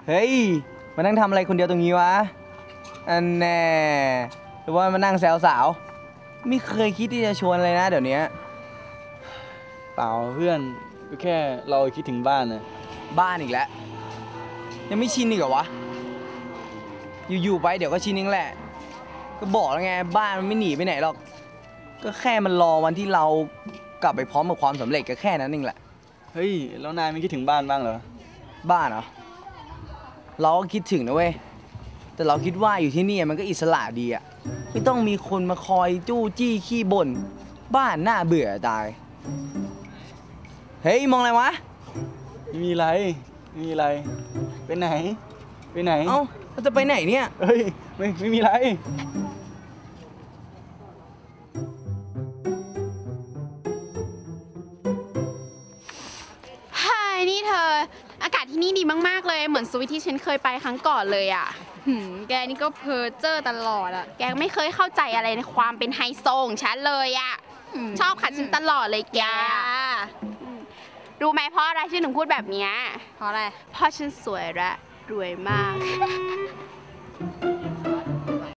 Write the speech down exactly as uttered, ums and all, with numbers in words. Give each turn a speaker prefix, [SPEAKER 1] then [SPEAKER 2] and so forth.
[SPEAKER 1] เฮ้ยมานั่งทำอะไรคนเดียวตรงนี้วะอันแน่หรือว่ามานั่งแซวสาวไม่เคยคิดที่จะชวนเลยนะเดี๋ยวนี้
[SPEAKER 2] เปล่าเพื่อนก็แค่เราคิดถึงบ้านนะ
[SPEAKER 1] บ้านอีกแล้วยังไม่ชินอีกเหรอวะอยู่ๆไปเดี๋ยวก็ชินเองแหละก็บอกแล้วไงบ้านมันไม่หนีไปไหนหรอกก็แค่มันรอวันที่เรากลับไปพร้อมกับความสำเร็จก็แค่นั้นเองแหละ
[SPEAKER 2] เฮ้ยแล้วนายไม่คิดถึงบ้านบ้างเหรอ
[SPEAKER 1] บ้านเหรอเราก็คิดถึงนะเว้ยแต่เราคิดว่าอยู่ที่นี่มันก็อิสระดีอะไม่ต้องมีคนมาคอยจู้จี้ขี้บ่นบ้านน่าเบื่อตายเฮ้ยมองอะไรวะ
[SPEAKER 2] ไม่มีอะไรไม่มีอะไรไปไหนไปไหน
[SPEAKER 1] เอ้าเราจะไปไหนเนี่ย
[SPEAKER 2] เฮ้ยไม่ไม่มีอะไร
[SPEAKER 3] เฮ้ยนี่เธออากาศที่นี่ดีมากๆเลยเหมือนสวิตที่ฉันเคยไปครั้งก่อนเลยอ่ะหืมแกนี่ก็เพ้อเจ้อตลอดอ่ะแกไม่เคยเข้าใจอะไรในความเป็นไฮโซของฉันเลยอ่ะชอบขัดฉันตลอดเลยแกรู้ไหมเพราะอะไรฉันถึงพูดแบบนี้
[SPEAKER 4] เพราะอะไร
[SPEAKER 3] เพราะฉันสวยและรวยมาก